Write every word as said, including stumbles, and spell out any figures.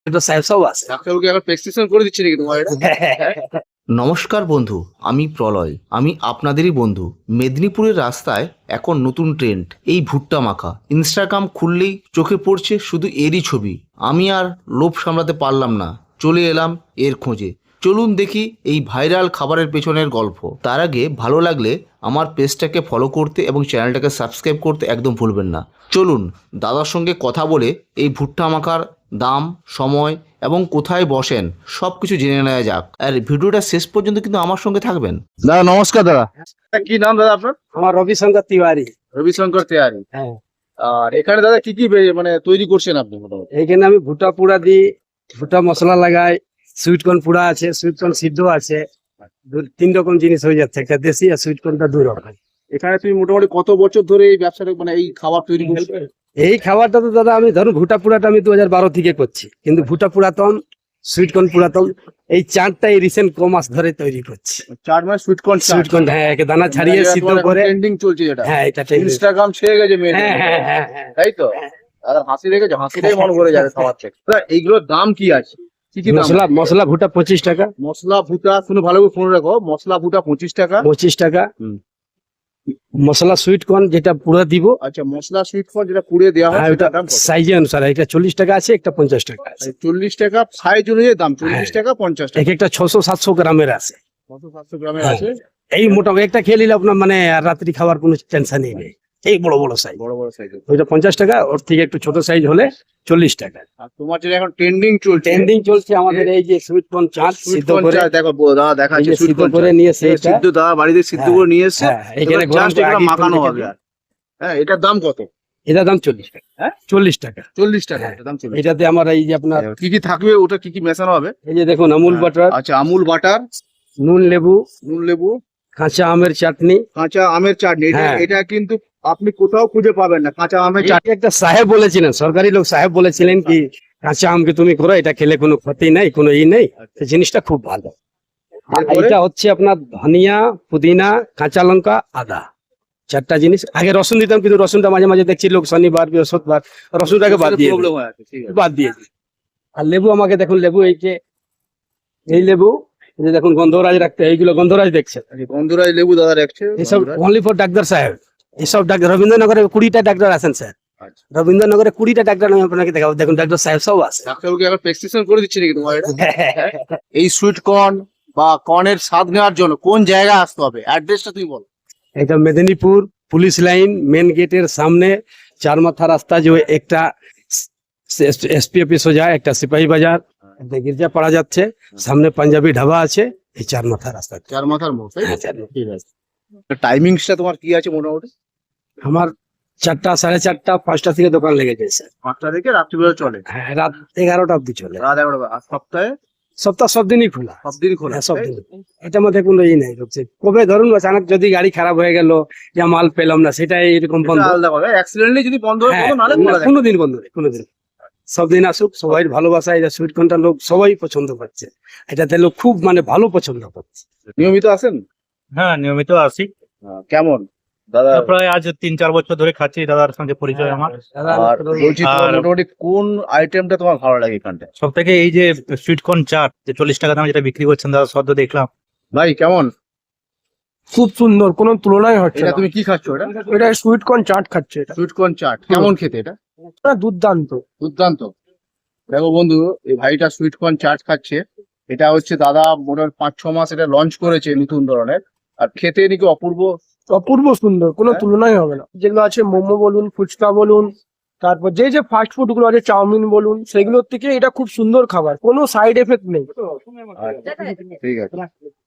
নমস্কার বন্ধু, আমি প্রলয়। আমি আপনাদেরই বন্ধু। মেদিনীপুরের রাস্তায় এখন নতুন ট্রেন্ড এই ভুট্টা মাখা। ইনস্টাগ্রাম খুললেই চোখে পড়ছে শুধু এরই ছবি। আমি আর লোভ সামলাতে পারলাম না, চলে এলাম এর খোঁজে। চলুন দেখি এই ভাইরাল খাবারের পেছনের গল্প। তার আগে ভালো লাগলে আমার পেজটাকে ফলো করতে এবং চ্যানেলটাকে সাবস্ক্রাইব করতে একদম ভুলবেন না। চলুন দাদার সঙ্গে কথা বলে এই ভুট্টা মাখার দাম, সময় এবং কোথায় বসেন সব কিছু জেনে নেওয়া যাক। আর ভিডিওটা শেষ পর্যন্ত কিন্তু আমার সঙ্গে থাকবেন। দাদা নমস্কার। দাদা কি নাম দাদা আপনার? আমার রবিশঙ্কর তিওয়ারি। রবিশঙ্কর তিওয়ারি। হ্যাঁ। আর এখানে দাদা কি কি বে- মানে তৈরি করছেন আপনি? এইখানে আমি ভুট্টা পুরা দিই, ভুট্টা মশলা লাগাই, সুইট কর্ন পুরা আছে, সুইট কর্ন সিদ্ধ আছে, দু- তিন রকম জিনিস হয়ে যাচ্ছে, একটা দেশি আর সুইট কর্নটা দুই রকম। এখানে তুমি মোটামুটি কত বছর ধরে এই ব্যবসাটা মানে এই খাবার তৈরি করছো? এই খাবারটা তো দাদা আমি ধরুন ভুট্টা পুরাটা আমি দু হাজার বারো থেকে করছি, কিন্তু ভুট্টা পুরাতন, সুইট কর্ন পুরাতন, এই চারটা এই রিসেন্ট ক মাস ধরে তৈরি করছি। চার মাস সুইট কর্ন সুইট কর্ন, হ্যাঁ, একে দানা ছাড়িয়ে সিদ্ধ করে। ট্রেন্ডিং চলছে যেটা, হ্যাঁ, এটা ঠিক। ইনস্টাগ্রাম ছেয়ে গেছে মেয়ে, হ্যাঁ হ্যাঁ হ্যাঁ হ্যাঁ। তাই তো? আর হাসি দেখেছো, হাসিটাই মন ভরে যাবে খাবার থেকে। দাদা এইগুলোর দাম কি আছে, কি কি দাম? মশলা মশলা ভুট্টা পঁচিশ টাকা। মশলা ভুটা শুনে ভালো করে ফোন রাখো, মশলা ভুটা পঁচিশ টাকা। পঁচিশ টাকা। হুম। মশলা সুইট কর্ন যেটা পুরো দিব, আচ্ছা, মশলা সুইট কর্ন যেটা পুড়িয়ে দেওয়া হয় হ্যাঁ, ওটা সেটার দাম কত? সাইজে অনুসারে, একটা চল্লিশ টাকা আছে, একটা পঞ্চাশ টাকা আছে। চল্লিশ টাকা সাইজ অনুযায়ী দাম, চল্লিশ হ্যাঁ। টাকা পঞ্চাশ এক টাকা। একটা ছশো সাতশো গ্রামের আছে। কত সাতশো গ্রামের হ্যাঁ। আছে? এই মোটামুটি একটা খেয়ে নিলে আপনার মানে আর রাত্রি খাবার কোনো টেনশনই নেই। এই বড় বড় সাইজ, বড় বড় সাইজ। ওইটা পঞ্চাশ টাকা, ওর থেকে একটু ছোট সাইজ হলে চল্লিশ টাকা। আর তোমার যেটা এখন ট্রেন্ডিং চলছে, ট্রেন্ডিং চলছে আমাদের এই যে সুইট কর্ন চাট সুইট সিদ্ধ কর্ন করে, চা, দেখো বো- দাদা এই দেখাচ্ছে যে সুইট সিদ্ধ কর্ন করে চা। নিয়ে এটা সেইটা, সিদ্ধ দাদা বাড়িতে সিদ্ধ হ্যাঁ, করে নিয়ে এসে হ্যাঁ, এখানে গরম জাস্ট করে এটা আগে মাখানো একটু হবে। রেখে আর হ্যাঁ, এটার দাম কত? দিই। এটার দাম চল্লিশ টাকা। হ্যাঁ? চল্লিশ টাকা। চল্লিশ টাকা হ্যাঁ। এটার দাম চল্লিশ। এটাতে আমার এই যে আপনার কি কি থাকবে, ওটা কি কি মেশানো হবে? এই যে দেখুন আমুল বাটার, আচ্ছা, আমুল বাটার, নুন লেবু, নুন লেবু, কাঁচা আমের চাটনি। কাঁচা আমের চাটনি। এটা হ্যাঁ। এটা কিন্তু আপনি কোথাও খুঁজে পাবেন না, কাঁচা আমের এই চাটনি। একটা সাহেব বলেছিলেন, সরকারি লোক সাহেব বলেছিলেন কি কাঁচা আমকে তুমি করো, এটা খেলে কোনো ক্ষতি নাই, কোনো ই নেই, এই জিনিসটা খুব ভালো। আর এরপরে? এটা হচ্ছে আপনার ধনিয়া, পুদিনা, কাঁচা লঙ্কা, আদা, চারটা জিনিস। আগে রসুন দিতাম, কিন্তু রসুনটা মাঝে মাঝে দেখছি লোক শনিবার বৃহস্পতিবার রসুনটাকে বাদ দিয়ে প্রবলেম দিই, হয় আছে, ঠিক আছে। বাদ দিয়ে দিই। আর লেবু আমাকে দেখুন, লেবু এই যে এই লেবু, এই যে দেখুন গন্ধরাজ রাখতে, এইগুলো গন্ধরাজ দেখছেন, আচ্ছা, গন্ধরাজ লেবু দাদা রাখছে। এইসব গন্ধরাজ। অনলি ফর ডাক্তার সাহেব। এইসব ডাক্তার রবীন্দ্রনগরে কুড়িটা ডাক্তার আছেন স্যার, আচ্ছা। রবীন্দ্রনগরে কুড়িটা ডাক্তার আমি আপনাকে দেখাবো, দেখুন ডাক্তার সাহেব সব আছে। ডাক্তারবাবুকে এখন প্রেসক্রিপশন করে দিচ্ছি নাকি তোমার এটা? এই সুইট কর্ন বা কর্নের স্বাদ নেওয়ার জন্য কোন জায়গায় আসতে হবে, অ্যাড্রেসটা তুমি বলো। এটা মেদিনীপুর পুলিশ লাইন মেন গেটের সামনে, চার মাথা রাস্তা, যে একটা এসপি অফিস হয়ে যায়, একটা সিপাহী বাজার, একটা গির্জা পাড়া যাচ্ছে, সামনে পাঞ্জাবি ঢাবা আছে, এই চার মাথা রাস্তা। চার মাথার মোড়, তাই তো? হ্যাঁ, চার মাথা। ঠিক আছে। টাইমিংসটা তোমার কি আছে মোটামুটি? আমার চারটা সাড়ে চারটা পাঁচটা থেকে দোকান লেগে যায় স্যার। পাঁচটা থেকে রাত্রিবেলা চলে, হ্যাঁ, রাত এগারোটা অব্দি চলে। রাত এগারোটা। আর সপ্তাহে সপ্তাহ সব দিনই খোলা, সব দিন খোলা, হ্যাঁ, সব তাই দিন। তো? এটার মধ্যে কোনো ই নেই, হচ্ছে কবে ধরুন আচানক যদি গাড়ি খারাপ হয়ে গেল, যা মাল পেলাম না, সেটাই এরকম বন্ধ। এটা আলাদা কথা, অ্যাক্সিডেন্টলি যদি বন্ধ হয়ে হ্যাঁ, যেত, নাহলে খোলা থাকে। কোনোদিন বন্ধ নেই, কোনোদিন। সব দিন আসুক, সবাই ভালোবাসা, এটা সুইট কর্নটা লোক সবাই পছন্দ করছে, এটাতে লোক খুব মানে ভালো পছন্দ করছে। নিয়মিত আসেন? হ্যাঁ, নিয়মিত আসি। হ্যাঁ, কেমন দাদা? প্রায় আজ তিন চার বছর ধরে খাচ্ছি, দাদার সঙ্গে পরিচয় আমার। আর বলছি তোমার আর- মোটামুটি কোন আইটেমটা তোমার ভালো লাগে এখানটা? সব থেকে এই যে সুইট কর্ন চাট, যে চল্লিশ টাকা দামে যেটা বিক্রি করছেন দাদা, সদ্য দেখলাম। ভাই কেমন? খুব সুন্দর, কোনো তুলনাই হচ্ছে এটা না। তুমি কি খাচ্ছ? এটা এটা সুইট কর্ন চাট খাচ্ছে, এটা সুইট কর্ন চাট। কেমন খেতে এটা? এটা দুর্দান্ত। দুর্দান্ত। দেখো বন্ধু, এই ভাইটা সুইট কর্ন চাট খাচ্ছে। এটা হচ্ছে দাদা মোটামুটি পাঁচ ছ মাস এটা লঞ্চ করেছে নতুন ধরনের, আর খেতে নাকি অপূর্ব। অপূর্ব সুন্দর, কোনো হ্যাঁ। তুলনাই হবে না। যেগুলো আছে মোমো বলুন, ফুচকা বলুন, তারপর যে যে ফাস্ট ফুড গুলো আছে, চাউমিন বলুন, সেগুলোর থেকে এটা খুব সুন্দর খাবার, কোনো সাইড এফেক্ট নেই। আচ্ছা, ঠিক আছে।